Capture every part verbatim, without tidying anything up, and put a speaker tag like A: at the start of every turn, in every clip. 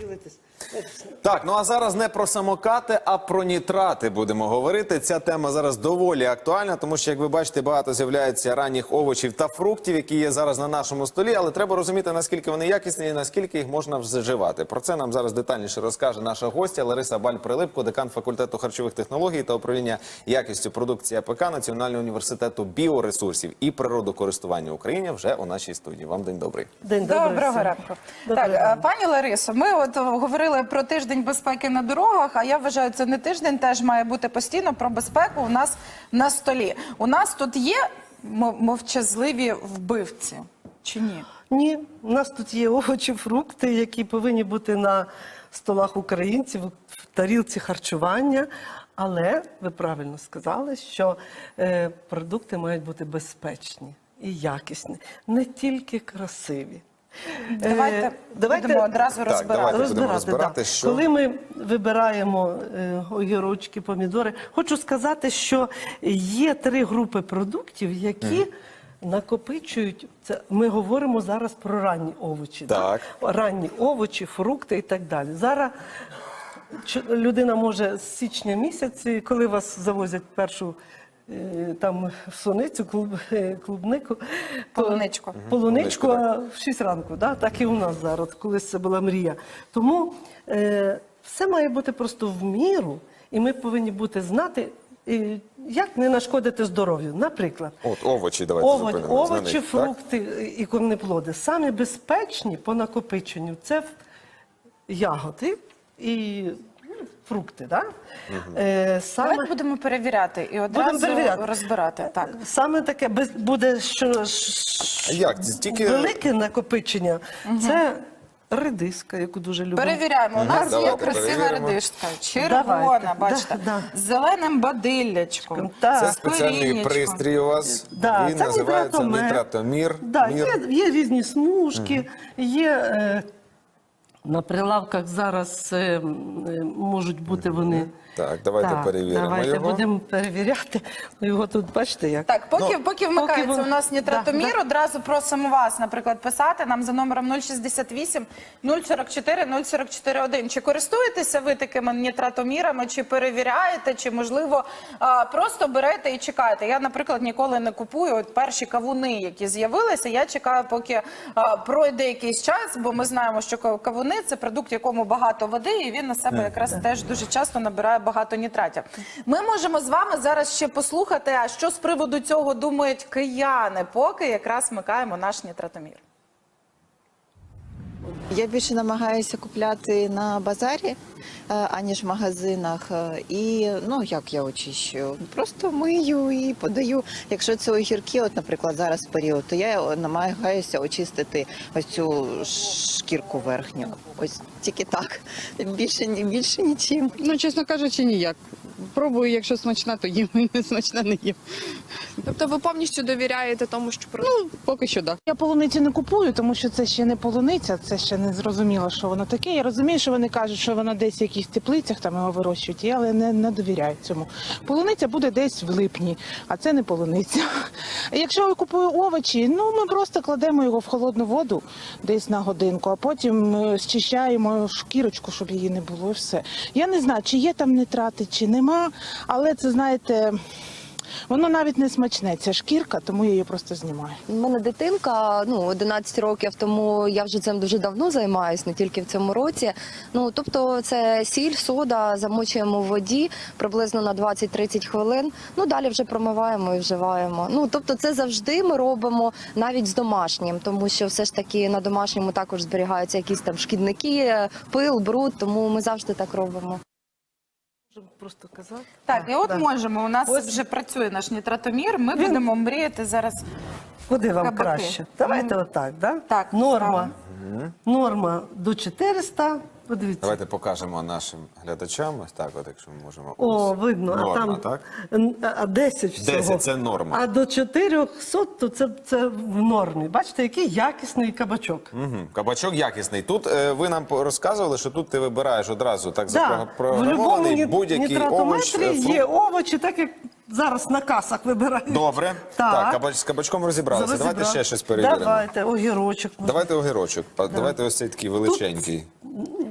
A: поділитись.
B: Так, ну а зараз не про самокати, а про нітрати будемо говорити. Ця тема зараз доволі актуальна, тому що, як ви бачите, багато з'являється ранніх овочів та фруктів, які є зараз на нашому столі, але треба розуміти, наскільки вони якісні і наскільки їх можна вживати. Про це нам зараз детальніше розкаже наша гостя Лариса Баль-Прилипко, декан факультету харчових технологій та управління якістю продукції А Пе Ка Національного університету біоресурсів і природокористування України вже у нашій студії. Вам день добрий.
A: День добрий.
C: Доброго ранку.
A: Доброго
C: Так,
A: ранку.
C: пані Ларисо, ми от говорили про тиждень безпеки на дорогах, а я вважаю, це не тиждень, теж має бути постійно про безпеку у нас на столі. У нас тут є мовчазливі вбивці, чи ні?
A: Ні, у нас тут є овочі, фрукти, які повинні бути на столах українців, в тарілці харчування. Але ви правильно сказали, що е, продукти мають бути безпечні і якісні, не тільки красиві.
C: Давайте,
A: Е, давайте
C: будемо одразу
B: Так,
C: розбирати.
B: давайте. будемо
A: Розбирати,
B: розбирати,
A: да.
B: що-
A: Коли ми вибираємо е, огірочки, помідори, хочу сказати, що є три групи продуктів, які накопичують, це ми говоримо зараз про ранні овочі.
B: Так.
A: Да? Ранні овочі, фрукти і так далі. Зараз ч- людина може з січня місяці, коли вас завозять першу е, там в суницю, клуб, е, клубнику, то-
C: Полуничку.
A: полуничку,
B: Полуничку,
A: а в шість ранку, да? Так і у нас зараз, колись це була мрія. Тому е, все має бути просто в міру, і ми повинні бути знати, е, як не нашкодити здоров'ю. Наприклад,
B: От овочі, давайте
A: овоч,
B: зупинимось на
A: овочі,
B: них, так?
A: фрукти і корнеплоди. Самі безпечні по накопиченню – це ягоди і ну, фрукти. Да? Е, саме...
C: Давайте будемо перевіряти і одразу
A: Будемо перевіряти.
C: розбирати. Так.
A: Саме таке без- буде, що ш-
B: А як? Це тільки-
A: велике накопичення. Це редиска, яку дуже любимо.
C: Перевіряємо. У нас є
B: давайте
C: красива
B: перевіримо.
C: редишка, червона,
A: Давайте.
C: бачите,
A: Да,
C: з зеленим бадиллячком.
A: Так.
B: Це спеціальний
C: коріннячком.
B: пристрій у вас.
A: Да,
B: Він
A: це
B: називається
A: нітратомер.
B: нітратомір.
A: Да,
B: Мір.
A: є, є різні смужки, є е, на прилавках зараз е, м, е, можуть бути вони.
B: Так, давайте перевіримо
A: давайте
B: його.
A: будемо перевіряти. Його тут бачите як.
C: Так, поки,
B: Ну,
C: поки вмикається
A: поки ви-
C: у нас нітратомір,
A: Да, да.
C: одразу просимо вас, наприклад, писати нам за номером нуль шістдесят вісім нуль сорок чотири нуль сорок чотири один. Чи користуєтеся ви такими нітратомірами, чи перевіряєте, чи, можливо, а, просто берете і чекаєте? Я, наприклад, ніколи не купую от перші кавуни, які з'явилися. Я чекаю, поки а, пройде якийсь час, бо ми знаємо, що кав- кавуни – це продукт, в якому багато води, і він на себе якраз теж дуже часто набирає багато нітратів. Ми можемо з вами зараз ще послухати, а що з приводу цього думають кияни, поки якраз вмикаємо наш нітратомір.
D: Я більше намагаюся купляти на базарі, е, аніж в магазинах. Е, І, ну, як я очищую? Просто мию і подаю. Якщо це огірки, от, наприклад, зараз період, то я намагаюся очистити ось цю шкірку верхню. Ось тільки так. Більше, ні- більше нічим.
E: Ну, чесно кажучи, ніяк. Пробую, якщо смачна, то їм, не смачна, не їм.
F: Тобто ви повністю довіряєте тому, що про
E: Ну, поки що так.
G: Я полуницю не купую, тому що це ще не полуниця, це ще не зрозуміло, що воно таке. Я розумію, що вони кажуть, що воно десь в якихось теплицях там його вирощують, я але не, не довіряю цьому. Полуниця буде десь в липні, а це не полуниця. А якщо я купую овочі, ну ми просто кладемо його в холодну воду десь на годинку, а потім е, зчищаємо шкірочку, щоб її не було, і все. Я не знаю, чи є там нитрати, чи нема, але це, знаєте, воно навіть не смачне, ця шкірка, тому я її просто знімаю.
H: У мене дитинка, ну, одинадцять років, тому я вже цим дуже давно займаюся, не тільки в цьому році. Ну, тобто це сіль, сода, замочуємо в воді приблизно на двадцять-тридцять хвилин, ну, далі вже промиваємо і вживаємо. Ну, тобто це завжди ми робимо навіть з домашнім, тому що все ж таки на домашньому також зберігаються якісь там шкідники, пил, бруд, тому ми завжди так робимо.
A: Можемо просто казати.
C: Так, і от
A: да.
C: можемо, у нас
A: Ось.
C: вже працює наш нітратомір, ми
A: Він-
C: будемо мріяти зараз.
A: Куди вам
C: Кабаки.
A: краще? Давайте
C: Мгм.
A: отак, да?
C: Так,
A: Норма. Норма до чотириста. Подивіться.
B: Давайте покажемо нашим глядачам. Ось так, от, якщо ми можемо.
A: О,
B: Ось.
A: видно,
B: Норма,
A: а там
B: так?
A: н- а десять всього.
B: десять – це норма.
A: А до чотирьохсот, то це, це в нормі. Бачите, який якісний кабачок.
B: Угу. Кабачок якісний. Тут е, ви нам по- розказували, що тут ти вибираєш одразу так
A: Да. В
B: запрограмований
A: будь-якому
B: будь-який овоч.
A: нітратометрі
B: е, фрукт.
A: є овочі, так як зараз на касах вибирають.
B: Добре.
A: Так.
B: Так, кабач, з кабачком розібралися. Давайте
A: Розібрали.
B: ще щось перевіримо.
A: Давайте, огірочок.
B: Давайте огірочок. Да. Давайте ось цей такий величенький.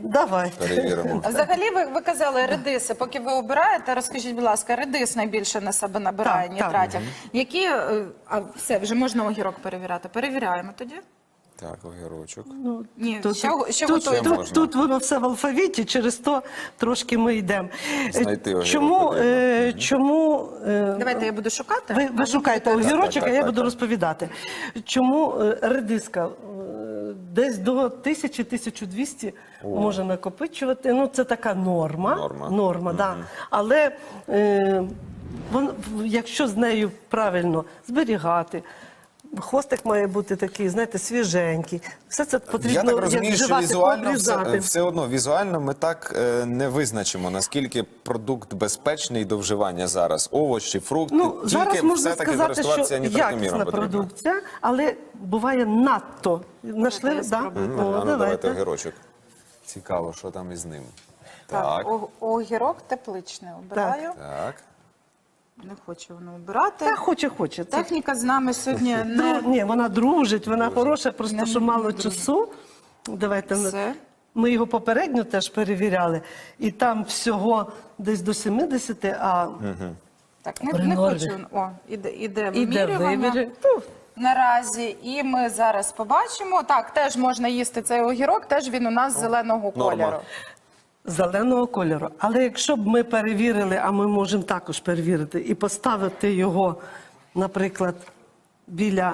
A: Давайте.
B: Перевіримо.
C: А взагалі ви, ви казали редиси. Поки ви обираєте, розкажіть, будь ласка, редис найбільше на себе набирає
A: Так, так.
C: нітратів. Які, е, а все, вже можна огірок перевіряти. Перевіряємо тоді?
B: Так, огірочок.
C: Ні,
A: Тут,
C: ще, ще
A: тут,
C: готуємо.
A: тут,
B: можна.
A: тут воно все в алфавіті, через то трошки ми йдемо. Е,
B: Знайти огірок
A: Чому,
B: потрібно.
A: е, чому е,
C: Давайте я буду шукати.
A: ви, ви шукаєте огірочок,
B: так,
A: а я
B: так,
A: буду
B: так.
A: розповідати. Чому е, редиска е, десь до тисячі - тисяча двісті може накопичувати? Ну, це така норма.
B: Норма.
A: Норма, да. Але е, вон, якщо з нею правильно зберігати, хвостик має бути такий, знаєте, свіженький. Все це потрібно
B: Я так розумію,
A: як
B: що
A: вживати,
B: візуально
A: обрізати.
B: все, все одно візуально ми так е, не визначимо, наскільки продукт безпечний до вживання зараз. Овочі, фрукти,
A: Ну, зараз
B: тільки
A: можна
B: все-таки
A: сказати,
B: користуватися
A: що
B: нітратоміром
A: якісна
B: потрібно.
A: продукція, але буває надто. Нашли?
C: я
A: Да?
C: спробую.
B: М,
A: О,
B: а ну, давайте
A: давайте.
B: огірочок. Цікаво, що там із ним.
C: Так,
B: Так,
C: о- огірок тепличний обираю.
B: так.
C: Не хочу воно обирати.
A: Та хоче, хоче. Це
C: Техніка з нами сьогодні
A: дру-
C: не...
A: Ні, вона дружить, вона хороша, просто
C: Не-
A: що
C: не
A: мало
C: дружить.
A: часу. Давайте ми-
C: Все.
A: ми його попередньо теж перевіряли, і там всього десь до сімдесяти, а
C: Так, не,
A: При
C: не
A: нормі.
C: хочу. О, іде, іде
A: іде
C: вимірювання.
A: вибір. Ну,
C: Наразі, і ми зараз побачимо. Так, теж можна їсти цей огірок, теж він у нас зеленого
B: норма.
C: кольору.
A: зеленого кольору. Але якщо б ми перевірили, а ми можемо також перевірити, і поставити його, наприклад, біля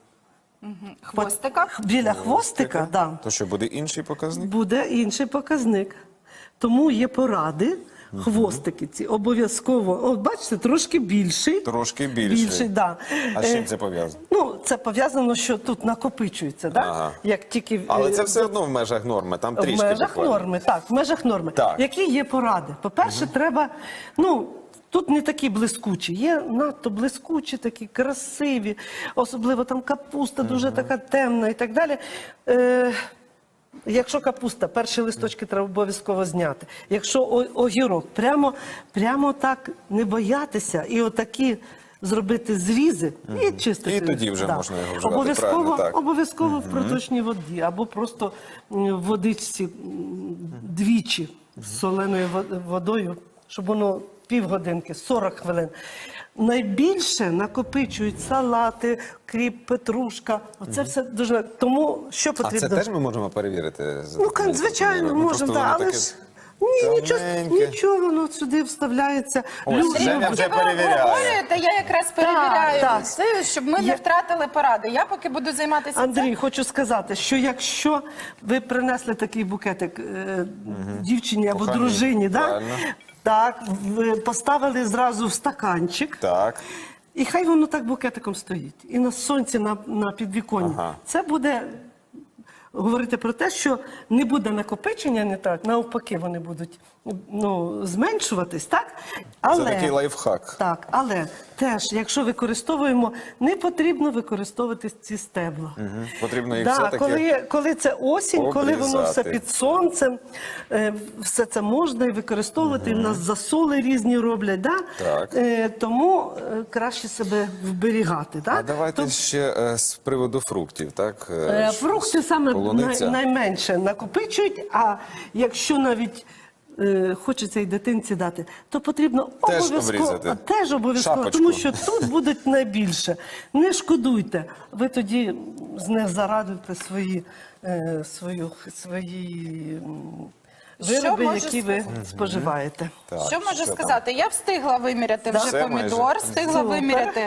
C: Хвостика.
A: біля хвостика, да,
B: То що, буде інший показник?
A: буде інший показник. Тому є поради. Хвостики ці обов'язково, от бачите, трошки більший.
B: Трошки більший.
A: Більший, да.
B: А з чим
A: Е,
B: це пов'язано?
A: Ну, це пов'язано, що тут накопичується, да?
B: Ага.
A: Як тільки
B: Але
A: е,
B: це все одно в межах норми, там
A: в
B: трішки
A: межах
B: буквально.
A: норми, так, в межах норми.
B: Так.
A: Які є поради? По-перше, треба, ну, тут не такі блискучі, є надто блискучі, такі красиві, особливо там капуста дуже така темна і так далі. Е, Якщо капуста, перші листочки треба обов'язково зняти. Якщо о- огірок, прямо, прямо так не боятися і отакі зробити зрізи і чистити.
B: І тоді вже можна його вживати,
A: Обов'язково,
B: правильно, так.
A: обов'язково в проточній воді або просто м, в водичці м, двічі з соленою во- водою, щоб воно півгодинки, сорок хвилин. Найбільше накопичують салати, кріп, петрушка. Оце все дуже. Тому що
B: А
A: потрібно?
B: це теж ми можемо перевірити? за
A: Ну,
B: таким
A: звичайно,
B: методом? Ну,
A: можемо,
B: просто
A: да,
B: воно
A: але
B: таке
A: ж ні, нічого,
B: тоненьке.
A: нічого, воно сюди вставляється.
B: Ось,
A: Люди-
B: Женя вже
C: Поки ви
B: перевіряє.
C: обговорюєте, я якраз перевіряю
A: так.
C: це, щоб ми не
A: Я-
C: втратили поради. Я поки буду займатися
A: Андрій,
C: цим.
A: хочу сказати, що якщо ви принесли такий букетик е, дівчині або
B: Коханій,
A: дружині, да?
B: правильно.
A: Так, ви поставили зразу в стаканчик,
B: Так.
A: і хай воно так букетиком стоїть. І на сонці, на, на підвіконні.
B: Ага.
A: Це буде говорити про те, що не буде накопичення нитрат, навпаки, вони будуть ну, зменшуватись, так? Але,
B: Це такий лайфхак.
A: Так, але теж, якщо використовуємо, не потрібно використовувати ці стебла.
B: Мгм. Потрібно їх
A: Да,
B: все-таки
A: коли, коли це осінь, коли воно все
B: обрізати.
A: під сонцем, е, все це можна і використовувати. У нас засоли різні роблять, да?
B: Так.
A: Е, тому е, краще себе вберігати. Да?
B: А давайте
A: Тоб-
B: ще е, з приводу фруктів, так? Е,
A: Е,
B: що-
A: Фрукти саме
B: полуниця.
A: най, найменше накопичують, а якщо навіть е, хочеться і дитинці дати, то потрібно
B: Теж
A: обов'язково
B: обрізати.
A: теж обов'язково,
B: Шапочку.
A: тому що тут будуть найбільше. Не шкодуйте. Ви тоді з них зарадуєте свої, е, свою, свої м, вироби,
C: можу
A: які ви споживаєте.
B: Так,
C: Що можу
B: там?
C: сказати? Я встигла виміряти
A: Да.
C: вже
B: Все
C: помідор,
B: майже.
C: встигла
A: Супер.
C: виміряти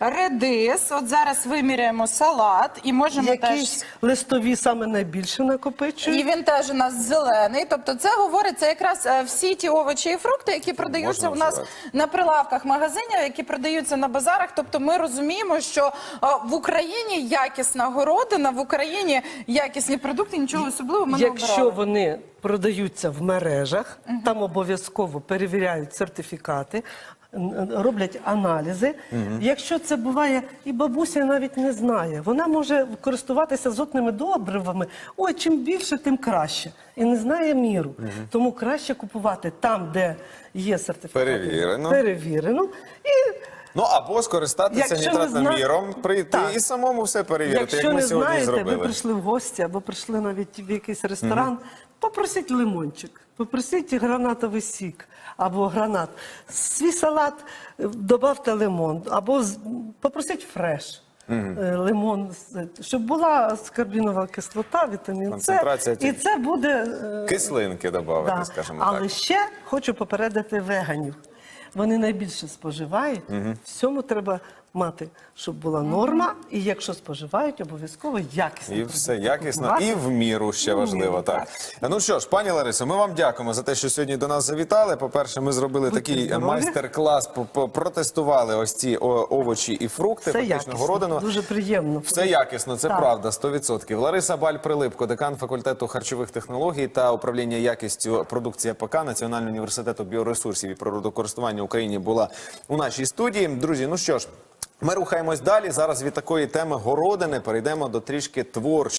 C: редис. От зараз виміряємо салат і можемо
A: Якісь
C: теж.
A: листові саме найбільше накопичують.
C: І він теж у нас зелений. Тобто, це говориться якраз е, всі ті овочі і фрукти, які продаються
B: Можна
C: у нас
B: вживати.
C: на прилавках магазинів, які продаються на базарах. Тобто, ми розуміємо, що е, в Україні якісна городина, в Україні якісні продукти, нічого особливого ми не
A: Якщо
C: обирали.
A: вони продаються в мережах, там обов'язково перевіряють сертифікати, н- роблять аналізи. Якщо це буває, і бабуся навіть не знає, вона може користуватися азотними добривами. Ой, чим більше, тим краще. І не знає міру. Тому краще купувати там, де є сертифікати.
B: Перевірено.
A: Перевірено. І
B: Ну, або скористатися
A: Якщо ви
B: нітратоміром,
A: зна-
B: прийти
A: Так.
B: і самому все перевірити,
A: якщо
B: як ми
A: не
B: сьогодні
A: знаєте, ви
B: зробили.
A: прийшли в гості або прийшли навіть в якийсь ресторан, Попросіть лимончик, попросіть гранатовий сік або гранат. Свій салат е, добавте лимон, або з- попросіть фреш. е, Лимон, з- щоб була скарбінова кислота, вітамін С,
B: Концентрація
A: і це буде е,
B: Кислинки додати,
A: да.
B: скажімо
A: Але
B: так.
A: ще хочу попередити веганів. Вони найбільше споживають. Всьому треба мати, щоб була норма, і якщо споживають, обов'язково якісно.
B: І все якісно, і в міру ще
A: В
B: важливо.
A: міру,
B: Так. Ну що ж, пані Ларисо, ми вам дякуємо за те, що сьогодні до нас завітали. По-перше, ми зробили
A: Будьте
B: такий
A: здорові.
B: майстер-клас, по- по- протестували ось ці о, овочі і фрукти,
A: Все
B: фактично
A: якісно,
B: городину.
A: дуже приємно.
B: Все якісно, це
A: Так.
B: правда, сто відсотків. Лариса Баль-Прилипко, декан факультету харчових технологій та управління якістю продукції АПК Національного університету біоресурсів і природокористування в Україні була у нашій студії. Друзі, ну що ж, ми рухаємось далі. Зараз від такої теми городини перейдемо до трішки творчості.